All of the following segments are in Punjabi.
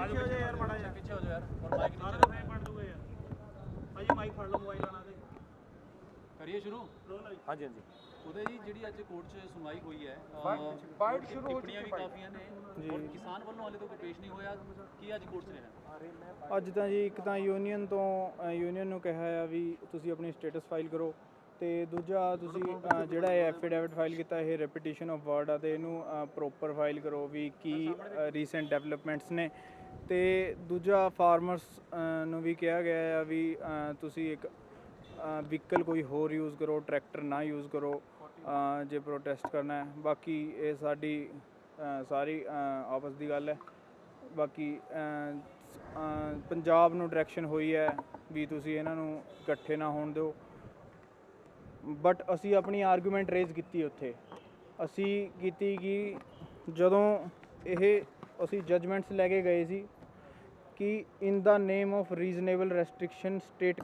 ਪਿੱਛੇ ਹੋ ਜਾ ਯਾਰ ਮਾੜਾ ਜਿਹਾ ਪਿੱਛੇ ਹੋ ਜਾ ਯਾਰ ਔਰ ਮਾਈਕ ਸਾਰਾ ਨੀਚੇ ਫੇਮ ਬਣ ਦੂਗਾ ਯਾਰ ਭਾਜੀ ਮਾਈਕ ਫੜ ਲਓ ਮੋਬਾਈਲ ਆਣਾ ਤੇ ਕਰੀਏ ਸ਼ੁਰੂ। ਹਾਂਜੀ ਹਾਂਜੀ ਉਹਦੇ ਜੀ ਜਿਹੜੀ ਅੱਜ ਕੋਰਟ 'ਚ ਸੁਣਵਾਈ ਹੋਈ ਹੈ ਬਾਈਟ ਸ਼ੁਰੂ ਹੋ ਟਿੱਪਣੀਆਂ ਵੀ ਕਾਫੀਆਂ ਨੇ ਔਰ ਕਿਸਾਨ ਵੱਲੋਂ ਹਾਲੇ ਤੱਕ ਕੋਈ ਪੇਸ਼ ਨਹੀਂ ਹੋਇਆ। ਕੀ ਅੱਜ ਕੋਰਟ 'ਚ ਰਿਹਾ? ਅੱਜ ਤਾਂ ਜੀ ਇੱਕ ਤਾਂ ਯੂਨੀਅਨ ਨੂੰ ਕਿਹਾ ਆ ਵੀ ਤੁਸੀਂ ਆਪਣੀ ਸਟੇਟਸ ਫਾਈਲ ਕਰੋ, ਤੇ ਦੂਜਾ ਤੁਸੀਂ ਜਿਹੜਾ ਇਹ ਐਫੀਡੇਵਿਟ ਫਾਈਲ ਕੀਤਾ ਇਹ ਰੈਪੀਟੀਸ਼ਨ ਆਫ ਵਰਡ ਆ, ਤੇ ਇਹਨੂੰ ਪ੍ਰੋਪਰ ਫਾਈਲ ਕਰੋ ਵੀ ਕੀ ਰੀਸੈਂਟ ਡਿਵੈਲਪਮੈਂਟਸ ਨੇ। ਤੇ ਦੂਜਾ ਫਾਰਮਰਸ ਨੂੰ ਵੀ ਕਿਹਾ ਗਿਆ ਆ ਵੀ ਤੁਸੀਂ ਇੱਕ ਵਹੀਕਲ ਕੋਈ ਹੋਰ ਯੂਜ਼ ਕਰੋ, ਟਰੈਕਟਰ ਨਾ ਯੂਜ਼ ਕਰੋ ਜੇ ਪ੍ਰੋਟੈਸਟ ਕਰਨਾ ਹੈ। ਬਾਕੀ ਇਹ ਸਾਡੀ ਸਾਰੀ ਆਪਸ ਦੀ ਗੱਲ ਹੈ। ਬਾਕੀ ਪੰਜਾਬ ਨੂੰ ਡਾਇਰੈਕਸ਼ਨ ਹੋਈ ਹੈ ਵੀ ਤੁਸੀਂ ਇਹਨਾਂ ਨੂੰ ਇਕੱਠੇ ਨਾ ਹੋਣ ਦਿਓ, ਬਟ ਅਸੀਂ ਆਪਣੀ ਆਰਗੂਮੈਂਟ ਰੇਜ਼ ਕੀਤੀ ਉੱਥੇ। ਅਸੀਂ ਕੀਤੀ ਕਿ ਜਦੋਂ ਇਹ ਅਸੀਂ ਜਜਮੈਂਟਸ ਲੈ ਕੇ ਗਏ ਸੀ ਕਿ in the name of reasonable restriction state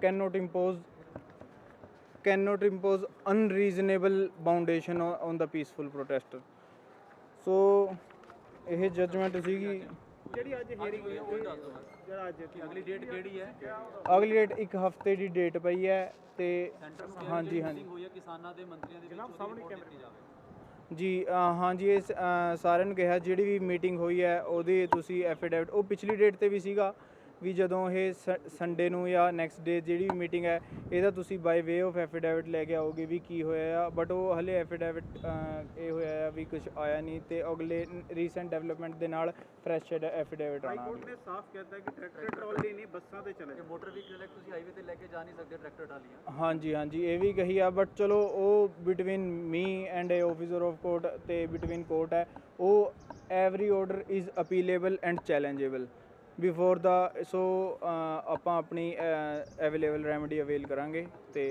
cannot impose unreasonable foundation on the peaceful protester। So ਇਹ ਜਜਮੈਂਟ ਸੀਗੀ ਜਿਹੜੀ ਅੱਜ ਹੀਅਰਿੰਗ ਹੋਈ ਉਹ ਦੱਸ ਦਿਓ ਜਿਹੜਾ ਅੱਜ ਅਗਲੀ ਡੇਟ ਕਿਹੜੀ ਹੈ? ਅਗਲੀ ਡੇਟ ਇੱਕ ਹਫ਼ਤੇ ਦੀ ਡੇਟ ਪਈ ਹੈ। ਤੇ ਹਾਂਜੀ ਹਾਂਜੀ ਹੋਈ ਹੈ ਕਿਸਾਨਾਂ ਦੇ ਮੰਤਰੀਆਂ ਦੇ ਵਿੱਚ ਸਾਹਮਣੇ ਦਿੱਤੀ ਜਾਵੇ ਜੀ ਹਾਂਜੀ ਇਹ ਸਾਰਿਆਂ ਨੂੰ ਕਿਹਾ ਜਿਹੜੀ ਵੀ ਮੀਟਿੰਗ ਹੋਈ ਹੈ ਉਹਦੀ ਤੁਸੀਂ ਐਫੀਡੇਵਿਟ, ਉਹ ਪਿਛਲੀ ਡੇਟ ਤੇ ਵੀ ਸੀਗਾ ਵੀ ਜਦੋਂ ਇਹ ਸੰਡੇ ਨੂੰ ਜਾਂ ਨੈਕਸਟ ਡੇ ਜਿਹੜੀ ਵੀ ਮੀਟਿੰਗ ਹੈ ਇਹਦਾ ਤੁਸੀਂ ਬਾਈ ਵੇ ਆਫ ਐਫੀਡੇਵਿਟ ਲੈ ਕੇ ਆਓਗੇ ਵੀ ਕੀ ਹੋਇਆ ਆ, ਬਟ ਉਹ ਹਲੇ ਐਫੀਡੇਵਿਟ ਇਹ ਹੋਇਆ ਆ ਵੀ ਕੁਝ ਆਇਆ ਨਹੀਂ, ਤੇ ਅਗਲੇ ਰੀਸੈਂਟ ਡਿਵੈਲਪਮੈਂਟ ਦੇ ਨਾਲ ਫਰੈਸ਼ ਐਫੀਡੇਵਿਟ ਆਉਣਾ। ਹਾਈ ਕੋਰਟ ਨੇ ਸਾਫ਼ ਕਹਿਤਾ ਕਿ ਟਰੈਕਟਰ ਟਰਾਲੀ ਨਹੀਂ ਬੱਸਾਂ ਤੇ ਚਲੇ। ਮੋਟਰ ਵਹੀਕਲ ਤੁਸੀਂ ਹਾਈਵੇ ਤੇ ਲੈ ਕੇ ਜਾ ਨਹੀਂ ਸਕਦੇ ਟਰੈਕਟਰ ਟਰਾਲੀਆਂ। ਹਾਂਜੀ ਹਾਂਜੀ ਇਹ ਵੀ ਕਹੀ ਆ, ਬਟ ਚਲੋ ਉਹ between me and a officer of court ਤੇ ਬਿਟਵੀਨ ਕੋਰਟ ਹੈ। ਉਹ every order is appealable and challengeable before the. So ਆਪਾਂ ਆਪਣੀ ਅਵੇਲੇਬਲ ਰੈਮਡੀ ਅਵੇਲ ਕਰਾਂਗੇ। ਤੇ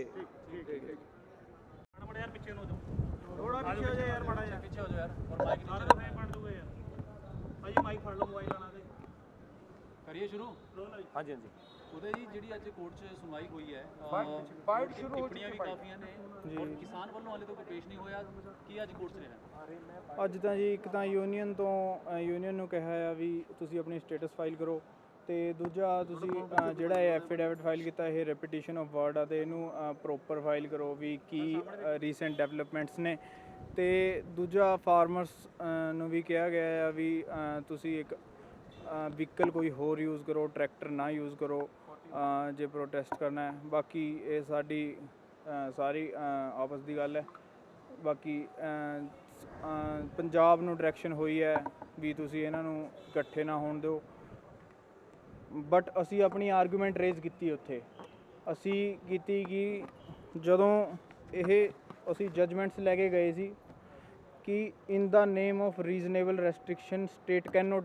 ਮਾੜਾ ਯਾਰ ਪਿੱਛੇ ਨੂੰ ਥੋੜਾ ਪਿੱਛੇ ਹੋ ਜਾ ਯਾਰ ਮਾੜਾ ਜਿਹਾ ਪਿੱਛੇ ਹੋ ਜਾ ਯਾਰ ਔਰ ਮਾਈਕ ਸਾਰਾ ਨੀਚੇ ਫੇਮ ਬਣ ਦੂਗਾ ਯਾਰ ਭਾਜੀ ਮਾਈਕ ਫੜ ਲਓ ਮੋਬਾਈਲ ਆਣਾ ਤੇ ਕਰੀਏ ਸ਼ੁਰੂ। ਹਾਂਜੀ ਹਾਂਜੀ ਉਹਦੇ ਜੀ ਜਿਹੜੀ ਅੱਜ ਕੋਰਟ 'ਚ ਸੁਣਵਾਈ ਹੋਈ ਹੈ ਬਾਈਟ ਸ਼ੁਰੂ ਹੋ ਟਿੱਪਣੀਆਂ ਵੀ ਕਾਫੀਆਂ ਨੇ ਔਰ ਕਿਸਾਨ ਵੱਲੋਂ ਹਾਲੇ ਤੱਕ ਕੋਈ ਪੇਸ਼ ਨਹੀਂ ਹੋਇਆ। ਕੀ ਅੱਜ ਕੋਰਟ 'ਚ ਰਿਹਾ? ਅੱਜ ਤਾਂ ਜੀ ਇੱਕ ਤਾਂ ਯੂਨੀਅਨ ਨੂੰ ਕਿਹਾ ਆ ਵੀ ਤੁਸੀਂ ਆਪਣੀ ਸਟੇਟਸ ਫਾਈਲ ਕਰੋ, ਤੇ ਦੂਜਾ ਤੁਸੀਂ ਜਿਹੜਾ ਇਹ ਐਫੀਡੇਵਿਟ ਫਾਈਲ ਕੀਤਾ ਇਹ ਰੈਪੀਟੀਸ਼ਨ ਆਫ ਵਰਡ ਆ, ਤੇ ਇਹਨੂੰ ਪ੍ਰੋਪਰ ਫਾਈਲ ਕਰੋ ਵੀ ਕੀ ਰੀਸੈਂਟ ਡਿਵੈਲਪਮੈਂਟਸ ਨੇ। ਤੇ ਦੂਜਾ ਫਾਰਮਰਸ ਨੂੰ ਵੀ ਕਿਹਾ ਗਿਆ ਆ ਵੀ ਤੁਸੀਂ ਇੱਕ ਵਹੀਕਲ ਕੋਈ ਹੋਰ ਯੂਜ਼ ਕਰੋ, ਟਰੈਕਟਰ ਨਾ ਯੂਜ਼ ਕਰੋ ਜੇ ਪ੍ਰੋਟੈਸਟ ਕਰਨਾ ਹੈ। ਬਾਕੀ ਇਹ ਸਾਡੀ ਸਾਰੀ ਆਪਸ ਦੀ ਗੱਲ ਹੈ। ਬਾਕੀ ਪੰਜਾਬ ਨੂੰ ਡਾਇਰੈਕਸ਼ਨ ਹੋਈ ਹੈ ਵੀ ਤੁਸੀਂ ਇਹਨਾਂ ਨੂੰ ਇਕੱਠੇ ਨਾ ਹੋਣ ਦਿਓ, ਬਟ ਅਸੀਂ ਆਪਣੀ ਆਰਗੂਮੈਂਟ ਰੇਜ਼ ਕੀਤੀ ਉੱਥੇ। ਅਸੀਂ ਕੀਤੀ ਕਿ ਜਦੋਂ ਇਹ ਅਸੀਂ ਜਜਮੈਂਟਸ ਲੈ ਕੇ ਗਏ ਸੀ ਕਿ in the name of reasonable restriction state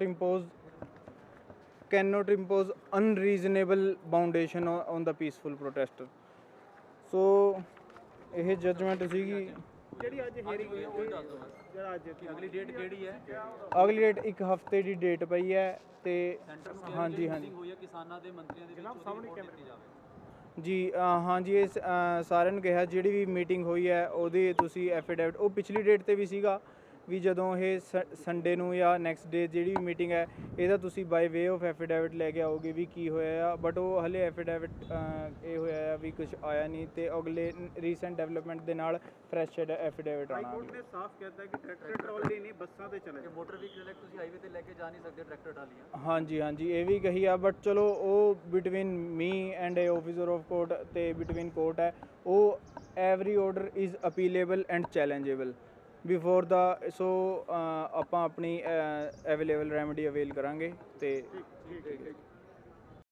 cannot impose unreasonable foundation on the peaceful protester। So ਇਹ ਜਜਮੈਂਟ ਸੀਗੀ ਜਿਹੜੀ ਅੱਜ ਹੀਅਰਿੰਗ ਹੋਈ ਉਹ ਦੱਸ ਦਿਓ ਜਿਹੜਾ ਅੱਜ ਅਗਲੀ ਡੇਟ ਕਿਹੜੀ ਹੈ? ਅਗਲੀ ਡੇਟ ਇੱਕ ਹਫ਼ਤੇ ਦੀ ਡੇਟ ਪਈ ਹੈ। ਤੇ ਹਾਂਜੀ ਹਾਂਜੀ ਹੋਈ ਹੈ ਕਿਸਾਨਾਂ ਦੇ ਮੰਤਰੀਆਂ ਦੇ ਵਿੱਚ ਸਾਹਮਣੇ ਦਿੱਤੀ ਜਾਵੇ ਜੀ ਹਾਂਜੀ ਇਹ ਸਾਰਿਆਂ ਨੂੰ ਕਿਹਾ ਜਿਹੜੀ ਵੀ ਮੀਟਿੰਗ ਹੋਈ ਹੈ ਉਹਦੀ ਤੁਸੀਂ ਐਫੀਡੇਵਿਟ, ਉਹ ਪਿਛਲੀ ਡੇਟ ਤੇ ਵੀ ਸੀਗਾ ਵੀ ਜਦੋਂ ਇਹ ਸੰਡੇ ਨੂੰ ਜਾਂ ਨੈਕਸਟ ਡੇ ਜਿਹੜੀ ਵੀ ਮੀਟਿੰਗ ਹੈ ਇਹਦਾ ਤੁਸੀਂ ਬਾਈ ਵੇ ਆਫ ਐਫੀਡੇਵਿਟ ਲੈ ਕੇ ਆਓਗੇ ਵੀ ਕੀ ਹੋਇਆ ਆ, ਬਟ ਉਹ ਹਲੇ ਐਫੀਡੇਵਿਟ ਇਹ ਹੋਇਆ ਆ ਵੀ ਕੁਝ ਆਇਆ ਨਹੀਂ, ਤੇ ਅਗਲੇ ਰੀਸੈਂਟ ਡਿਵੈਲਪਮੈਂਟ ਦੇ ਨਾਲ ਫਰੈਸ਼ ਐਫੀਡੇਵਿਟ ਹਾਈ ਆਉਣਾ। ਕੋਰਟ ਨੇ ਸਾਫ਼ ਕਹਿਤਾ ਕਿ ਟਰੈਕਟਰ ਟਰਾਲੀ ਨਹੀਂ ਬੱਸਾਂ ਤੇ ਚਲੇ। ਮੋਟਰ ਵਹੀਕਲ ਤੁਸੀਂ ਹਾਈਵੇ ਤੇ ਲੈ ਕੇ ਜਾ ਨਹੀਂ ਸਕਦੇ ਟਰੈਕਟਰ ਟਰਾਲੀਆਂ। ਹਾਂਜੀ ਹਾਂਜੀ ਇਹ ਵੀ ਕਹੀ ਆ, ਬਟ ਚਲੋ ਉਹ between me and a officer of court ਤੇ ਬਿਟਵੀਨ ਕੋਰਟ ਹੈ। ਉਹ every order is appealable and challengeable before the. So ਆਪਾਂ ਆਪਣੀ ਅਵੇਲੇਬਲ ਰੈਮਡੀ ਅਵੇਲ ਕਰਾਂਗੇ। ਤੇ